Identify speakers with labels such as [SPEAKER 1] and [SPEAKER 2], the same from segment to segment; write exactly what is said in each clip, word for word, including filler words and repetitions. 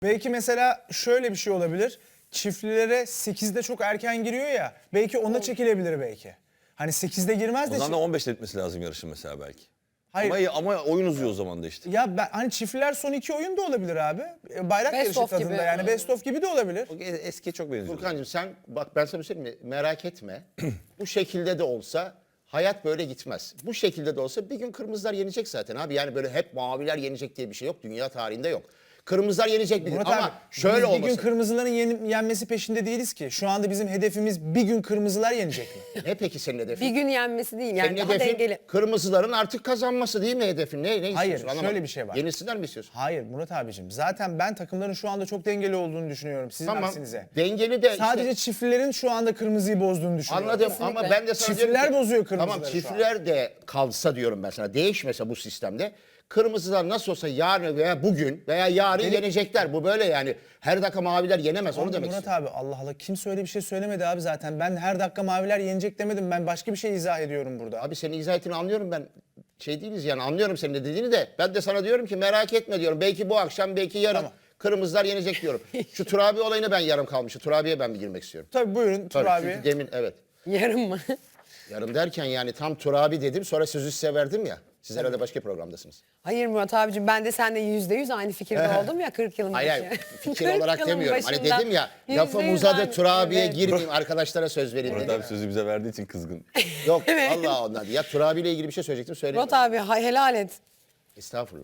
[SPEAKER 1] Belki mesela şöyle bir şey olabilir. Çiftlilere sekizde çok erken giriyor ya. Belki ona çekilebilir belki. Hani sekizde girmez
[SPEAKER 2] O
[SPEAKER 1] de.
[SPEAKER 2] zaman da
[SPEAKER 1] çi-
[SPEAKER 2] on beşte bitmesi lazım yarışın mesela belki.
[SPEAKER 1] Hayır.
[SPEAKER 2] Ama, ama oyun uzuyor o zaman da işte.
[SPEAKER 1] Ya ben hani çiftliler son iki oyun da olabilir abi. E, Bayrak
[SPEAKER 3] Best
[SPEAKER 1] yarışı
[SPEAKER 3] of
[SPEAKER 1] tadında
[SPEAKER 3] gibi.
[SPEAKER 1] yani best of gibi de olabilir.
[SPEAKER 2] O eskiye çok benziyor.
[SPEAKER 4] Furkancığım sen bak ben sana bir şey söyleyeyim mi? Merak etme. Bu şekilde de olsa hayat böyle gitmez. Bu şekilde de olsa bir gün kırmızılar yenecek zaten abi. Yani böyle hep maviler yenecek diye bir şey yok. Dünya tarihinde yok. Kırmızılar yenecek bir gün
[SPEAKER 1] Murat
[SPEAKER 4] ama
[SPEAKER 1] abi,
[SPEAKER 4] şöyle
[SPEAKER 1] biz bir
[SPEAKER 4] olmasın.
[SPEAKER 1] gün kırmızıların yeni- yenmesi peşinde değiliz ki. Şu anda bizim hedefimiz bir gün kırmızılar yenecek mi?
[SPEAKER 4] Ne peki senin hedefin?
[SPEAKER 3] Bir gün yenmesi değil yani
[SPEAKER 4] Senin
[SPEAKER 3] daha
[SPEAKER 4] hedefin
[SPEAKER 3] dengeli.
[SPEAKER 4] kırmızıların artık kazanması değil mi hedefin? Ne, ne istiyorsun?
[SPEAKER 1] Hayır,
[SPEAKER 4] Anlamadım.
[SPEAKER 1] şöyle bir şey var.
[SPEAKER 4] Yenilsinler mi istiyorsun?
[SPEAKER 1] Hayır Murat abicim. Zaten ben takımların şu anda çok dengeli olduğunu düşünüyorum sizin
[SPEAKER 4] Tamam.
[SPEAKER 1] aksinize.
[SPEAKER 4] Dengeli de
[SPEAKER 1] Sadece
[SPEAKER 4] işte,
[SPEAKER 1] çiftlilerin şu anda kırmızıyı bozduğunu düşünüyorum.
[SPEAKER 4] anladım
[SPEAKER 3] Kesinlikle.
[SPEAKER 4] ama ben de sana diyorum
[SPEAKER 1] Çiftliler
[SPEAKER 4] ki-
[SPEAKER 1] bozuyor kırmızıları
[SPEAKER 4] Tamam
[SPEAKER 1] şu
[SPEAKER 4] çiftliler de kalsa diyorum ben sana. Değişmese bu sistemde. Kırmızılar nasıl olsa yarın veya bugün veya yarın yenecekler. Bu böyle yani. Her dakika maviler yenemez onu
[SPEAKER 1] Ama
[SPEAKER 4] demek
[SPEAKER 1] Murat
[SPEAKER 4] istiyorum.
[SPEAKER 1] abi Allah Allah kimse öyle bir şey söylemedi abi zaten. Ben her dakika maviler yenecek demedim. Ben başka bir şey izah ediyorum burada.
[SPEAKER 4] Abi senin izah ettiğini anlıyorum ben. Şey değiliz yani anlıyorum senin de dediğini de. Ben de sana diyorum ki merak etme diyorum. Belki bu akşam belki yarın
[SPEAKER 1] Tamam.
[SPEAKER 4] kırmızılar yenecek diyorum. Şu Turabi olayına ben yarım kalmışım. Turabi'ye ben bir girmek istiyorum.
[SPEAKER 1] Tabii buyurun Tur
[SPEAKER 4] Tabii,
[SPEAKER 1] abi.
[SPEAKER 4] çünkü demin evet.
[SPEAKER 3] Yarım mı?
[SPEAKER 4] Yarım derken yani tam Turabi dedim sonra sözü size verdim ya. Siz herhalde başka programdasınız.
[SPEAKER 3] Hayır Murat abicim ben de seninle yüzde yüz aynı fikirde oldum ya kırk yılın
[SPEAKER 4] Hayır
[SPEAKER 3] başı.
[SPEAKER 4] hayır fikir
[SPEAKER 3] kırk
[SPEAKER 4] olarak
[SPEAKER 3] yılın
[SPEAKER 4] demiyorum. Hani
[SPEAKER 3] başında
[SPEAKER 4] dedim ya
[SPEAKER 3] yüzde
[SPEAKER 4] lafım
[SPEAKER 3] yüz
[SPEAKER 4] uzadı
[SPEAKER 3] aynı.
[SPEAKER 4] Turabi'ye
[SPEAKER 3] Evet.
[SPEAKER 4] girmeyeyim arkadaşlara söz vereyim
[SPEAKER 2] Murat
[SPEAKER 4] dedim.
[SPEAKER 2] abi sözü bize verdiği için kızgın.
[SPEAKER 4] Yok Allah ondan değil. Ya Turabi ile ilgili bir şey söyleyecektim söyleyeyim.
[SPEAKER 3] Murat abi ha- helal et.
[SPEAKER 4] Estağfurullah.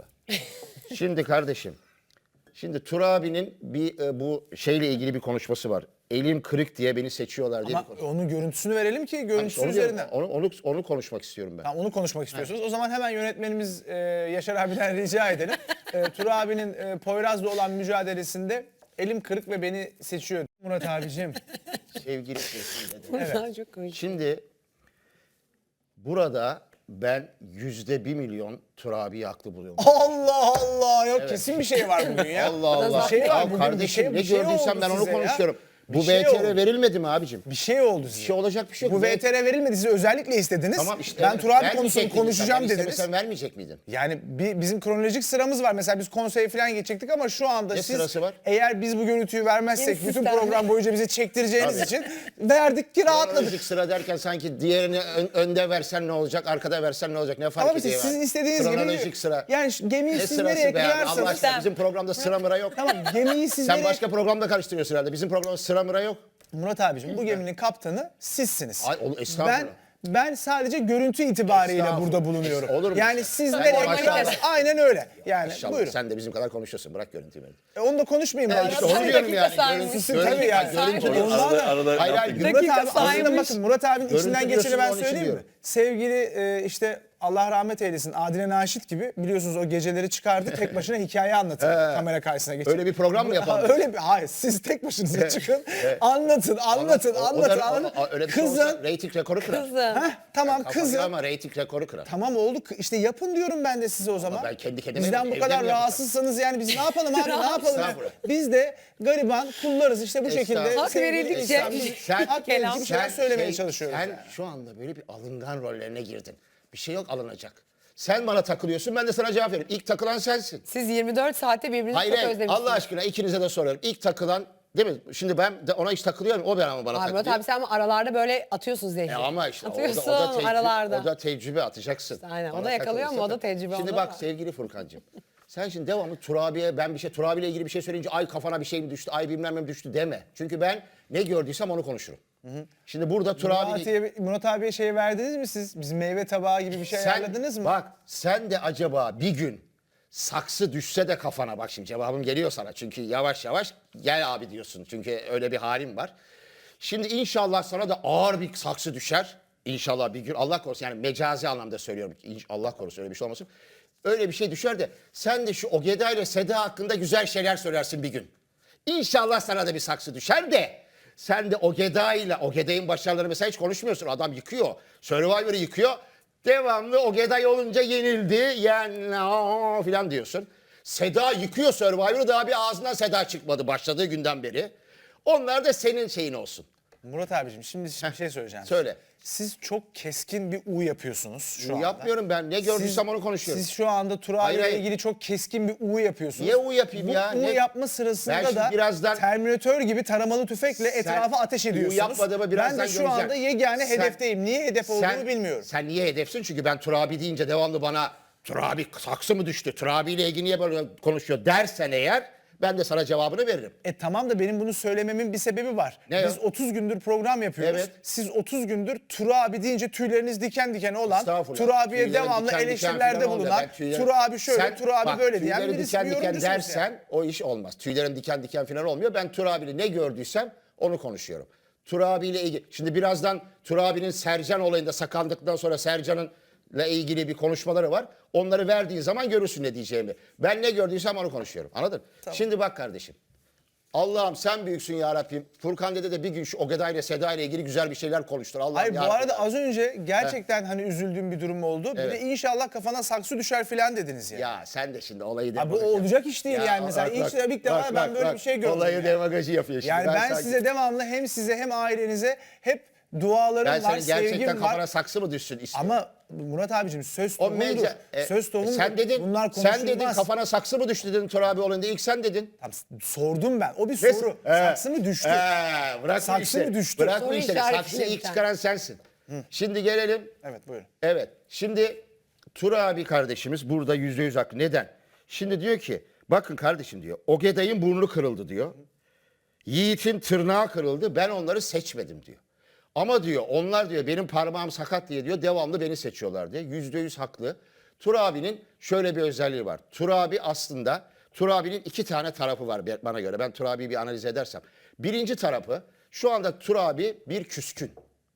[SPEAKER 4] Şimdi kardeşim. Şimdi Turabi'nin bir e, bu şeyle ilgili bir konuşması var. Elim kırık diye beni seçiyorlar diye
[SPEAKER 1] Ama
[SPEAKER 4] bir konuşma.
[SPEAKER 1] onun görüntüsünü verelim ki görüntüsü
[SPEAKER 4] Onu, diyorum,
[SPEAKER 1] üzerinden.
[SPEAKER 4] onu, onu, onu konuşmak istiyorum ben.
[SPEAKER 1] Tamam, onu konuşmak istiyorsunuz. O zaman hemen yönetmenimiz e, Yaşar abiden rica edelim. E, Tur abinin e, Poyraz'la olan mücadelesinde elim kırık ve beni seçiyor. Murat abicim.
[SPEAKER 4] Sevgili Esin dedi.
[SPEAKER 3] Murat abi çok komik.
[SPEAKER 4] Şimdi burada ben yüzde bir milyon Turabi'yi haklı buluyorum.
[SPEAKER 1] Allah Allah. Yok kesin bir şey var bugün ya.
[SPEAKER 4] Allah Allah.
[SPEAKER 1] Bir şey var
[SPEAKER 4] Ya
[SPEAKER 1] bugün.
[SPEAKER 4] kardeşim
[SPEAKER 1] bir şey,
[SPEAKER 4] ne
[SPEAKER 1] bir şey
[SPEAKER 4] gördüysem
[SPEAKER 1] oldu
[SPEAKER 4] ben onu
[SPEAKER 1] size ya.
[SPEAKER 4] konuşuyorum.
[SPEAKER 1] Bir
[SPEAKER 4] Bu
[SPEAKER 1] şey
[SPEAKER 4] V T R
[SPEAKER 1] oldu.
[SPEAKER 4] verilmedi mi abicim?
[SPEAKER 1] Bir şey oldu
[SPEAKER 4] Bir
[SPEAKER 1] size.
[SPEAKER 4] şey olacak bir şey yok.
[SPEAKER 1] Bu V T R verilmedi. Siz özellikle istediniz.
[SPEAKER 4] Tamam işte.
[SPEAKER 1] ben
[SPEAKER 4] evet,
[SPEAKER 1] Tur abi
[SPEAKER 4] vermeyecek
[SPEAKER 1] konusunu
[SPEAKER 4] miydin sen?
[SPEAKER 1] konuşacağım
[SPEAKER 4] Ben
[SPEAKER 1] dediniz.
[SPEAKER 4] istemesem vermeyecek miydin?
[SPEAKER 1] Yani bir, bizim kronolojik sıramız var. Mesela biz konseye falan geçecektik ama şu anda
[SPEAKER 4] Ne
[SPEAKER 1] siz
[SPEAKER 4] sırası var?
[SPEAKER 1] eğer biz bu görüntüyü vermezsek
[SPEAKER 3] Yeni
[SPEAKER 1] bütün
[SPEAKER 3] sistem.
[SPEAKER 1] program boyunca bize çektireceğiniz
[SPEAKER 4] Tabii.
[SPEAKER 1] için verdik ki rahatladık.
[SPEAKER 4] Kronolojik sıra derken sanki diğerini ön- önde versen ne olacak, arkada versen ne olacak? Ne fark
[SPEAKER 1] Ama
[SPEAKER 4] ediyor?
[SPEAKER 1] işte sizin
[SPEAKER 4] yani?
[SPEAKER 1] istediğiniz gibi.
[SPEAKER 4] Kronolojik sıra.
[SPEAKER 1] Yani şu gemiyi
[SPEAKER 4] Ne
[SPEAKER 1] siz
[SPEAKER 4] sırası
[SPEAKER 1] nereye
[SPEAKER 4] be abi? Allah
[SPEAKER 1] kıyarsanız.
[SPEAKER 4] aşkına bizim programda sıra mıra yok.
[SPEAKER 1] Tamam gemiyi siz
[SPEAKER 4] Sen
[SPEAKER 1] nereye...
[SPEAKER 4] başka programda karıştırıyorsun herhalde. Bizim programda sıra mıra yok.
[SPEAKER 1] Murat abicim bu geminin kaptanı sizsiniz.
[SPEAKER 4] Ay, oğlum, estağfurullah.
[SPEAKER 1] Ben ben sadece görüntü itibariyle
[SPEAKER 4] Estağfurullah.
[SPEAKER 1] burada bulunuyorum.
[SPEAKER 4] Olur mu?
[SPEAKER 1] Yani siz
[SPEAKER 4] Sen
[SPEAKER 1] nereye
[SPEAKER 4] de maşallah.
[SPEAKER 1] kıyarsanız aynen öyle. Yani
[SPEAKER 4] İnşallah
[SPEAKER 1] buyurun.
[SPEAKER 4] sen de bizim kadar konuşuyorsun. Bırak görüntüyü beni.
[SPEAKER 1] E, onu da konuşmayayım ben.
[SPEAKER 4] işte
[SPEAKER 3] Murat
[SPEAKER 4] onu
[SPEAKER 3] abi
[SPEAKER 4] diyorum
[SPEAKER 3] dakika
[SPEAKER 4] yani.
[SPEAKER 3] saymış.
[SPEAKER 4] Görüntüsü
[SPEAKER 1] Tabii
[SPEAKER 4] görüntü
[SPEAKER 1] ya.
[SPEAKER 4] görüntü.
[SPEAKER 3] Saymış.
[SPEAKER 1] Ondan da-
[SPEAKER 2] arada
[SPEAKER 4] Hayır, hayır,
[SPEAKER 1] Murat
[SPEAKER 3] Dakika
[SPEAKER 1] abi aslında
[SPEAKER 3] saymış.
[SPEAKER 1] bakın Murat abinin
[SPEAKER 4] Görüntü
[SPEAKER 1] içinden
[SPEAKER 4] diyorsun,
[SPEAKER 1] geçeni ben
[SPEAKER 4] onun için
[SPEAKER 1] söyleyeyim mi?
[SPEAKER 4] diyorum.
[SPEAKER 1] Sevgili e, işte Allah rahmet eylesin Adile Naşit gibi biliyorsunuz o geceleri çıkardı tek başına hikaye anlatır kamera karşısına geçip.
[SPEAKER 4] Öyle bir program mı yapalım?
[SPEAKER 1] Ha, öyle bir hayır siz tek başınıza çıkın anlatın anlatın
[SPEAKER 4] O- o
[SPEAKER 1] anlatın
[SPEAKER 4] da-
[SPEAKER 1] anlatın.
[SPEAKER 4] o- o- öyle bir şey
[SPEAKER 1] Kızın
[SPEAKER 4] olsa reyting rekoru kırar.
[SPEAKER 3] Kızım.
[SPEAKER 1] Heh, tamam
[SPEAKER 4] Kafayı
[SPEAKER 1] kızın
[SPEAKER 4] ama reyting rekoru kırar.
[SPEAKER 1] tamam oldu işte yapın diyorum ben de size o zaman.
[SPEAKER 4] ben kendi kendime
[SPEAKER 1] Bizden
[SPEAKER 4] evde
[SPEAKER 1] bu
[SPEAKER 4] mi
[SPEAKER 1] kadar
[SPEAKER 4] yapacağım?
[SPEAKER 1] rahatsızsanız yani biz ne yapalım abi ne yapalım? ya?
[SPEAKER 4] Estağfurullah.
[SPEAKER 1] Biz de gariban kullarız işte bu şekilde.
[SPEAKER 4] Estağfurullah.
[SPEAKER 3] Hak
[SPEAKER 1] sevgili
[SPEAKER 3] verildikçe-
[SPEAKER 1] insan,
[SPEAKER 4] Sen-
[SPEAKER 1] hak verici bir şeyler söylemeye çalışıyoruz.
[SPEAKER 4] Sen
[SPEAKER 1] yani.
[SPEAKER 4] şu anda böyle bir alıngan rollerine girdin. Bir şey yok alınacak. Sen bana takılıyorsun ben de sana cevap veriyorum. İlk takılan sensin.
[SPEAKER 3] Siz yirmi dört saatte birbirinizi
[SPEAKER 4] Hayır
[SPEAKER 3] çok
[SPEAKER 4] hayır,
[SPEAKER 3] özlemişsiniz.
[SPEAKER 4] Allah aşkına ikinize de soruyorum. İlk takılan değil mi? Şimdi ben de ona hiç takılıyorum. O ben ama bana
[SPEAKER 3] Abi Murat
[SPEAKER 4] takılıyor.
[SPEAKER 3] abi sen ama aralarda böyle atıyorsun zehri.
[SPEAKER 4] E ama işte o da,
[SPEAKER 3] Atıyorsun
[SPEAKER 4] o da tecrübe,
[SPEAKER 3] aralarda.
[SPEAKER 4] o da tecrübe atacaksın.
[SPEAKER 3] Aynen, o
[SPEAKER 4] Bana
[SPEAKER 3] da yakalıyor
[SPEAKER 4] takılırsa
[SPEAKER 3] ama o da
[SPEAKER 4] tak-
[SPEAKER 3] tecrübe
[SPEAKER 4] Şimdi
[SPEAKER 3] onda
[SPEAKER 4] bak
[SPEAKER 3] da.
[SPEAKER 4] sevgili Furkancığım. Sen şimdi devamlı Turabi'ye ben bir şey Turabi ile ilgili bir şey söyleyince ay kafana bir şey mi düştü, ay bilmem ne mi düştü deme. Çünkü ben ne gördüysem onu konuşurum. Şimdi burada Turabi
[SPEAKER 1] Murat, abiye, Murat abiye şey verdiniz mi siz? Biz meyve tabağı gibi bir şey ayarladınız mı?
[SPEAKER 4] Bak sen de acaba bir gün saksı düşse de kafana bak şimdi cevabım geliyor sana. Çünkü yavaş yavaş gel abi diyorsun. Çünkü öyle bir halim var. Şimdi inşallah sana da ağır bir saksı düşer. İnşallah bir gün Allah korusun yani mecazi anlamda söylüyorum. İnş- Allah korusun öyle bir şey olmasın. Öyle bir şey düşer de sen de şu Ogeda ile Seda hakkında güzel şeyler söylersin bir gün. İnşallah sana da bir saksı düşer de sen de Ogeda ile Ogeda'nın başarılarını mesela hiç konuşmuyorsun. Adam yıkıyor. Survivor'ı yıkıyor. Devamlı Ogeda olunca yenildi. Yani aa filan diyorsun. Seda yıkıyor Survivor'ı daha bir ağzından Seda çıkmadı başladığı günden beri. Onlar da senin şeyin olsun.
[SPEAKER 1] Murat abicim şimdi bir şey söyleyeceğim.
[SPEAKER 4] Söyle.
[SPEAKER 1] Siz çok keskin bir U yapıyorsunuz şu
[SPEAKER 4] U
[SPEAKER 1] anda.
[SPEAKER 4] yapmıyorum ben. Ne gördüysem
[SPEAKER 1] Siz-
[SPEAKER 4] onu konuşuyorum.
[SPEAKER 1] Siz şu anda Tur
[SPEAKER 4] Hayır,
[SPEAKER 1] abiyle
[SPEAKER 4] hayır.
[SPEAKER 1] ilgili çok keskin bir U yapıyorsunuz.
[SPEAKER 4] Niye U yapayım
[SPEAKER 1] Bu
[SPEAKER 4] ya?
[SPEAKER 1] U
[SPEAKER 4] Ne-
[SPEAKER 1] yapma
[SPEAKER 4] Ben
[SPEAKER 1] sırasında
[SPEAKER 4] şimdi
[SPEAKER 1] da
[SPEAKER 4] birazdan-
[SPEAKER 1] Terminatör gibi taramalı tüfekle
[SPEAKER 4] Sen
[SPEAKER 1] etrafa ateş
[SPEAKER 4] U
[SPEAKER 1] ediyorsunuz.
[SPEAKER 4] yapmadığımı birazdan
[SPEAKER 1] ben de şu
[SPEAKER 4] göreceğim.
[SPEAKER 1] anda yegane
[SPEAKER 4] Sen-
[SPEAKER 1] hedefteyim. Niye hedef olduğunu bilmiyorum.
[SPEAKER 4] Sen niye hedefsin? Çünkü ben Turabi deyince devamlı bana Turabi saksı mı düştü? Turabi ile ilgili niye böyle konuşuyor dersen eğer ben de sana cevabını veririm.
[SPEAKER 1] E tamam da benim bunu söylememin bir sebebi var.
[SPEAKER 4] Ne
[SPEAKER 1] Biz
[SPEAKER 4] o?
[SPEAKER 1] otuz gündür program yapıyoruz.
[SPEAKER 4] Evet.
[SPEAKER 1] Siz otuz gündür Tur abi deyince tüyleriniz diken diken olan,
[SPEAKER 4] Estağfurullah.
[SPEAKER 1] Tur abiye
[SPEAKER 4] Tüylerim
[SPEAKER 1] devamlı
[SPEAKER 4] diken diken
[SPEAKER 1] eleştirilerde
[SPEAKER 4] falan olmuyor.
[SPEAKER 1] bulunan,
[SPEAKER 4] Ben tüylerim-
[SPEAKER 1] Tur abi şöyle,
[SPEAKER 4] Sen-
[SPEAKER 1] Tur abi
[SPEAKER 4] bak,
[SPEAKER 1] böyle diyen
[SPEAKER 4] tüylerim
[SPEAKER 1] birisi
[SPEAKER 4] diken
[SPEAKER 1] bir
[SPEAKER 4] diken
[SPEAKER 1] yorumcusunuz
[SPEAKER 4] dersen
[SPEAKER 1] yani.
[SPEAKER 4] o iş olmaz. Tüylerin diken diken falan olmuyor. Ben Tur abiyle ne gördüysem onu konuşuyorum. Tur abiyle ilgili. Şimdi birazdan Tur abinin Sercan olayında saklandıktan sonra Sercan'ın ile ilgili bir konuşmaları var. Onları verdiğin zaman görürsün ne diyeceğimi. Ben ne gördüysem onu konuşuyorum. Anladın? Şimdi bak kardeşim. Allah'ım sen büyüksün ya Rabbim. Furkan dede de bir gün şu Ogeda ile Seda ile ilgili güzel bir şeyler konuştur. Allah'ım
[SPEAKER 1] Hayır bu
[SPEAKER 4] yarabbim.
[SPEAKER 1] arada az önce gerçekten hani üzüldüğüm bir durum oldu. Bir
[SPEAKER 4] Evet.
[SPEAKER 1] de inşallah kafana saksı düşer filan dediniz ya.
[SPEAKER 4] Ya sen de şimdi olayı
[SPEAKER 1] Abi bu
[SPEAKER 4] demagoji
[SPEAKER 1] olacak iş değil
[SPEAKER 4] Ya
[SPEAKER 1] yani. Mesela
[SPEAKER 4] bak,
[SPEAKER 1] ilk,
[SPEAKER 4] bak,
[SPEAKER 1] ilk defa
[SPEAKER 4] bak,
[SPEAKER 1] ben
[SPEAKER 4] bak,
[SPEAKER 1] böyle
[SPEAKER 4] bak.
[SPEAKER 1] bir şey gördüm.
[SPEAKER 4] Olayı
[SPEAKER 1] ya.
[SPEAKER 4] demagoji yapıyor şimdi.
[SPEAKER 1] Yani ben
[SPEAKER 4] sanki-
[SPEAKER 1] size devamlı hem size hem ailenize hep dualarım
[SPEAKER 4] ben
[SPEAKER 1] var,
[SPEAKER 4] senin gerçekten
[SPEAKER 1] sevgim
[SPEAKER 4] kafana
[SPEAKER 1] var.
[SPEAKER 4] saksı mı düşsün istiyorum.
[SPEAKER 1] Ama Murat abicim söz
[SPEAKER 4] O
[SPEAKER 1] tohumudur.
[SPEAKER 4] mece- e,
[SPEAKER 1] söz tohumudur.
[SPEAKER 4] sen dedin,
[SPEAKER 1] Bunlar konuşulmaz.
[SPEAKER 4] sen dedin kafana saksı mı düştü dedin Tur abi olayında. İlk sen dedin.
[SPEAKER 1] Tamam, sordum ben. O bir
[SPEAKER 4] Ve-
[SPEAKER 1] soru.
[SPEAKER 4] Ee,
[SPEAKER 1] Saksı mı düştü?
[SPEAKER 4] ee, bırak bu
[SPEAKER 1] Saksı
[SPEAKER 4] işleri.
[SPEAKER 1] mı düştü?
[SPEAKER 4] Bırak bu
[SPEAKER 3] Soru
[SPEAKER 4] işleri.
[SPEAKER 3] işareti
[SPEAKER 4] Saksıyı ilk
[SPEAKER 3] lütfen.
[SPEAKER 4] çıkaran sensin. Şimdi gelelim.
[SPEAKER 1] Evet buyurun.
[SPEAKER 4] Evet. Şimdi Tur abi kardeşimiz burada yüzde yüz haklı. Neden? Şimdi diyor ki bakın kardeşim diyor. Ogeday'ın burnu kırıldı diyor. Yiğit'in tırnağı kırıldı. Ben onları seçmedim diyor. Ama diyor onlar diyor benim parmağım sakat diye diyor devamlı beni seçiyorlar diye. Yüzde yüz haklı. Tur abinin şöyle bir özelliği var. Tur abi aslında Tur abinin iki tane tarafı var bana göre. Ben Tur abiyi bir analiz edersem. Birinci tarafı şu anda Tur abi bir küskün.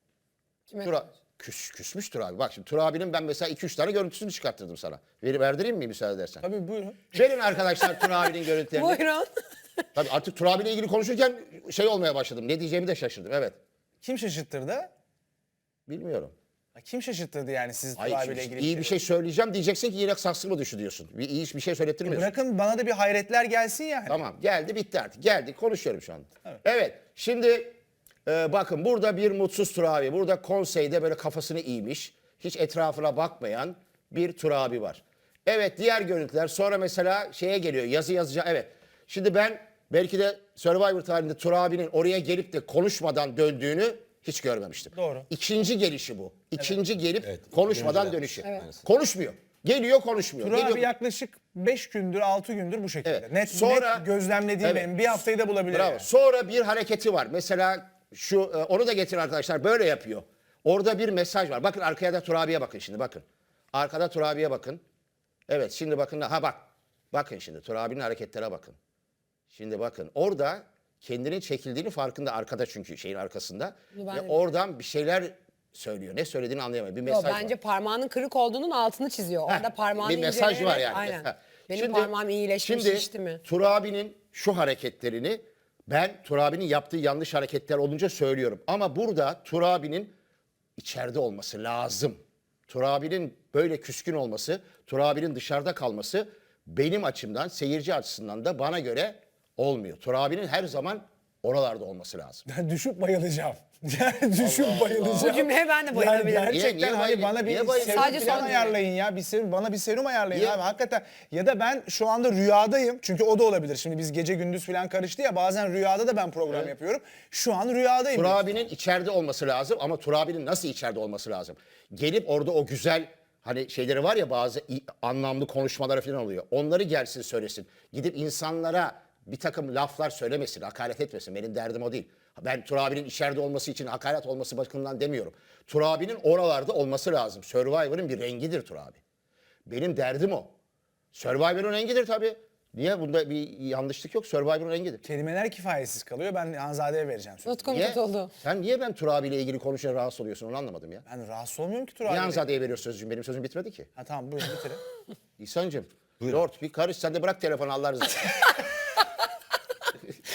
[SPEAKER 3] Kime?
[SPEAKER 4] Tur, küs, küsmüş Tur abi. Bak şimdi Tur abinin ben mesela iki üç tane görüntüsünü çıkarttırdım sana. Ver, verdireyim mi müsaade edersen?
[SPEAKER 1] Tabii buyurun.
[SPEAKER 4] Verin arkadaşlar Tur abinin görüntülerini.
[SPEAKER 3] Buyurun.
[SPEAKER 4] Tabii artık Tur abiyle ilgili konuşurken şey olmaya başladım. Ne diyeceğimi de şaşırdım. Evet.
[SPEAKER 1] Kim şaşırttırdı?
[SPEAKER 4] Bilmiyorum.
[SPEAKER 1] Ha, Kim şaşırttırdı yani siz Tur
[SPEAKER 4] Hayır,
[SPEAKER 1] abiyle
[SPEAKER 4] şimdi
[SPEAKER 1] ilgili?
[SPEAKER 4] iyi bir şey söyleyeceğim diyeceksin ki yine saksı mı düşü diyorsun. Bir iyi bir şey söylettirmiyorsun.
[SPEAKER 1] Bırakın bana da bir hayretler gelsin yani.
[SPEAKER 4] Tamam geldi bitti artık. Geldi konuşuyorum şu anda. Evet, şimdi e, bakın burada bir mutsuz Tur abi. Burada konseyde böyle kafasını eğmiş. Hiç etrafına bakmayan bir Tur abi var. Evet diğer görüntüler sonra mesela şeye geliyor yazı yazacağım. Evet şimdi ben belki de Survivor tarihinde Tur abinin oraya gelip de konuşmadan döndüğünü hiç görmemiştim.
[SPEAKER 1] Doğru.
[SPEAKER 4] İkinci gelişi bu. İkinci gelip
[SPEAKER 2] Evet,
[SPEAKER 4] konuşmadan
[SPEAKER 2] dönüşler.
[SPEAKER 4] dönüşü.
[SPEAKER 2] Evet.
[SPEAKER 4] Konuşmuyor. Geliyor konuşmuyor.
[SPEAKER 1] Tur
[SPEAKER 4] Geliyor.
[SPEAKER 1] abi yaklaşık beş gündür altı gündür bu şekilde.
[SPEAKER 4] Evet.
[SPEAKER 1] Net,
[SPEAKER 4] Sonra-
[SPEAKER 1] net gözlemlediğim
[SPEAKER 4] Evet.
[SPEAKER 1] benim. Bir haftayı da bulabilir.
[SPEAKER 4] Bravo.
[SPEAKER 1] yani.
[SPEAKER 4] Sonra bir hareketi var. Mesela şu e, onu da getirin arkadaşlar. Böyle yapıyor. Orada bir mesaj var. Bakın arkaya da Turabi'ye bakın şimdi bakın. Arkada Turabi'ye bakın. Evet şimdi bakın. Ha bak. Bakın şimdi Turabi'nin hareketlere bakın. Şimdi bakın orada kendinin çekildiğini farkında arkada çünkü şeyin arkasında.
[SPEAKER 3] Bunu ben
[SPEAKER 4] Ve
[SPEAKER 3] de
[SPEAKER 4] oradan bir şeyler söylüyor. Ne söylediğini anlayamıyor. Bir
[SPEAKER 3] Yo,
[SPEAKER 4] mesaj
[SPEAKER 3] bence
[SPEAKER 4] var.
[SPEAKER 3] parmağının kırık olduğunun altını çiziyor. Orada
[SPEAKER 4] Heh,
[SPEAKER 3] parmağını
[SPEAKER 4] bir mesaj var
[SPEAKER 3] inceleyerek-
[SPEAKER 4] yani.
[SPEAKER 3] Aynen.
[SPEAKER 4] Ha.
[SPEAKER 3] Benim
[SPEAKER 4] Şimdi-
[SPEAKER 3] parmağım iyileşmiş
[SPEAKER 4] şimdi,
[SPEAKER 3] şişti mi?
[SPEAKER 4] Turabi'nin şu hareketlerini ben Turabi'nin yaptığı yanlış hareketler olunca söylüyorum. Ama burada Turabi'nin içeride olması lazım. Turabi'nin böyle küskün olması, Turabi'nin dışarıda kalması benim açımdan, seyirci açısından da bana göre olmuyor. Turabi'nin her zaman oralarda olması lazım.
[SPEAKER 1] Ben düşüp bayılacağım. Yani düşüp bayılacağım.
[SPEAKER 3] Bu cümleye ben de bayılabilirim.
[SPEAKER 1] Yani gerçekten
[SPEAKER 4] Niye- niye
[SPEAKER 1] hani
[SPEAKER 4] bayıl-
[SPEAKER 1] bana bir
[SPEAKER 4] niye bayıl-
[SPEAKER 1] serum
[SPEAKER 3] Sadece
[SPEAKER 1] falan
[SPEAKER 3] son
[SPEAKER 1] ayarlayın ya. Bir serum, bana bir serum ayarlayın
[SPEAKER 4] Niye?
[SPEAKER 1] abi. Hakikaten. Ya da ben şu anda rüyadayım. Çünkü o da olabilir. Şimdi biz gece gündüz falan karıştı ya. Bazen rüyada da ben program yapıyorum. Şu an rüyadayım.
[SPEAKER 4] Turabi'nin içeride olması lazım ama Turabi'nin nasıl içeride olması lazım? Gelip orada o güzel hani şeyleri var ya bazı i- anlamlı konuşmaları falan oluyor. Onları gelsin söylesin. Gidip insanlara bir takım laflar söylemesin, hakaret etmesin. Benim derdim o değil. Ben Turabi'nin içeride olması için hakaret olması bakımından demiyorum. Turabi'nin oralarda olması lazım. Survivor'ın bir rengidir Turabi. Benim derdim o. Survivor'ın rengidir tabii. Niye? Bunda bir yanlışlık yok. Survivor'ın rengidir.
[SPEAKER 1] Kelimeler kifayetsiz kalıyor. Ben Hanzade'ye vereceğim sözü.
[SPEAKER 3] Nutkum
[SPEAKER 4] Niye?
[SPEAKER 3] tutuldu.
[SPEAKER 4] Sen niye ben Turabi ile ilgili konuşunca rahatsız oluyorsun onu anlamadım ya.
[SPEAKER 1] Ben rahatsız olmuyorum ki Tur
[SPEAKER 4] Niye
[SPEAKER 1] abiyle.
[SPEAKER 4] Hanzade'ye veriyorsun sözcüğüm? Benim sözüm bitmedi ki.
[SPEAKER 1] Ha tamam buyurun bitirin.
[SPEAKER 4] İhsan'cığım. Lord bir karış sen de bırak telefonu Allah rızası için.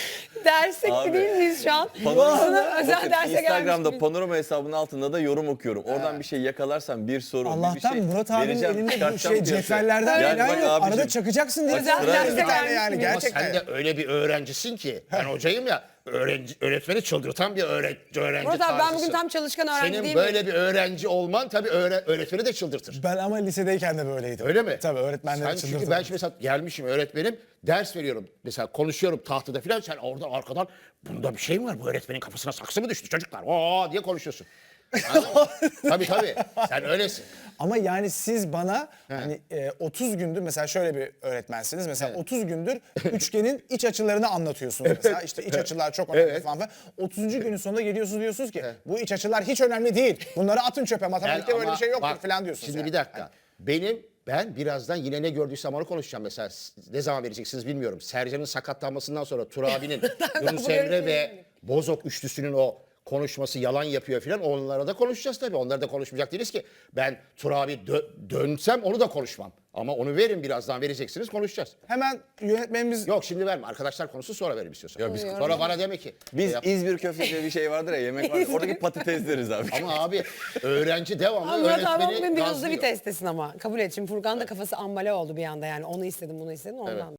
[SPEAKER 3] Derse
[SPEAKER 2] Abi.
[SPEAKER 3] değil miyiz şu an?
[SPEAKER 2] Panorama-
[SPEAKER 3] Sana özel
[SPEAKER 2] Bakın,
[SPEAKER 3] derse gelmiş
[SPEAKER 2] Instagram'da
[SPEAKER 3] gibi.
[SPEAKER 2] panorama hesabının altında da yorum okuyorum. Oradan bir şey yakalarsam bir soru, bir
[SPEAKER 1] Allah'tan
[SPEAKER 2] şey
[SPEAKER 1] Murat abinin
[SPEAKER 2] vereceğim,
[SPEAKER 1] elinde bu
[SPEAKER 2] çıkartacağım
[SPEAKER 1] şey
[SPEAKER 2] piyasaya.
[SPEAKER 1] cetvellerden
[SPEAKER 2] Yani
[SPEAKER 1] falan
[SPEAKER 2] bak
[SPEAKER 1] yok.
[SPEAKER 2] abicim,
[SPEAKER 1] Arada çakacaksın diye.
[SPEAKER 3] Özel
[SPEAKER 1] bir
[SPEAKER 3] derse
[SPEAKER 1] tane
[SPEAKER 3] gelmiş
[SPEAKER 1] yani
[SPEAKER 3] gibi.
[SPEAKER 4] Ama
[SPEAKER 1] gerçekten.
[SPEAKER 4] sen de öyle bir öğrencisin ki. Ben hocayım ya. Öğrenci, öğretmeni çıldırtan bir öğrenci, öğrenci
[SPEAKER 3] Murat abi ben
[SPEAKER 4] tarzısın.
[SPEAKER 3] bugün tam çalışkan öğrenci
[SPEAKER 4] Senin
[SPEAKER 3] değil
[SPEAKER 4] böyle
[SPEAKER 3] miyim?
[SPEAKER 4] bir öğrenci olman tabii öğre- öğretmeni de çıldırtır.
[SPEAKER 1] Ben ama lisedeyken de böyleydim.
[SPEAKER 4] Öyle mi?
[SPEAKER 1] Tabii öğretmenleri
[SPEAKER 4] Sen çünkü
[SPEAKER 1] çıldırtırdım.
[SPEAKER 4] ben şimdi mesela gelmişim öğretmenim ders veriyorum. Mesela konuşuyorum tahtada falan sen oradan arkadan bunda bir şey mi var? Bu öğretmenin kafasına saksı mı düştü çocuklar? Oo diye konuşuyorsun. Anladın mı? Tabii tabii. Sen öylesin.
[SPEAKER 1] Ama yani siz bana hani e, otuz gündür mesela şöyle bir öğretmensiniz. Mesela otuz gündür üçgenin iç açılarını anlatıyorsunuz mesela. İşte iç açılar çok önemli
[SPEAKER 4] Evet.
[SPEAKER 1] falan filan. otuzuncu günün sonunda geliyorsunuz diyorsunuz ki bu iç açılar hiç önemli değil. Bunları atın çöpe. Matematikte
[SPEAKER 4] Ben
[SPEAKER 1] böyle
[SPEAKER 4] ama
[SPEAKER 1] bir şey yoktur
[SPEAKER 4] bak,
[SPEAKER 1] falan diyorsunuz.
[SPEAKER 4] Şimdi
[SPEAKER 1] yani.
[SPEAKER 4] bir dakika. Benim ben birazdan yine ne gördüysem onu konuşacağım. Mesela ne zaman vereceksiniz bilmiyorum. Sercan'ın sakatlanmasından sonra Tur abinin Yunus
[SPEAKER 3] bu
[SPEAKER 4] Emre
[SPEAKER 3] görüntüyü
[SPEAKER 4] ve Bozok üçlüsünün o konuşması yalan yapıyor filan. Onlara da konuşacağız tabii. Onları da konuşmayacak değiliz ki. Ben Tur abi dö- dönsem onu da konuşmam. Ama onu verin birazdan vereceksiniz konuşacağız.
[SPEAKER 1] Hemen yönetmenimiz
[SPEAKER 4] Yok şimdi verme. Arkadaşlar konusu sonra verim istiyorsan.
[SPEAKER 2] Ya biz-
[SPEAKER 4] Sonra bana deme ki.
[SPEAKER 2] Biz
[SPEAKER 4] Yap-
[SPEAKER 2] İzmir köftesi diye bir şey vardır ya, yemek var. Oradaki patates deriz abi.
[SPEAKER 4] Ama abi öğrenci devamlı
[SPEAKER 3] Ama Murat abi
[SPEAKER 4] öğretmeni
[SPEAKER 3] bugün bir hızlı
[SPEAKER 4] gazlıyor.
[SPEAKER 3] vitestesin ama. Kabul et. Şimdi Furkan da kafası ambale oldu bir anda yani. Onu istedim bunu istedim ondan.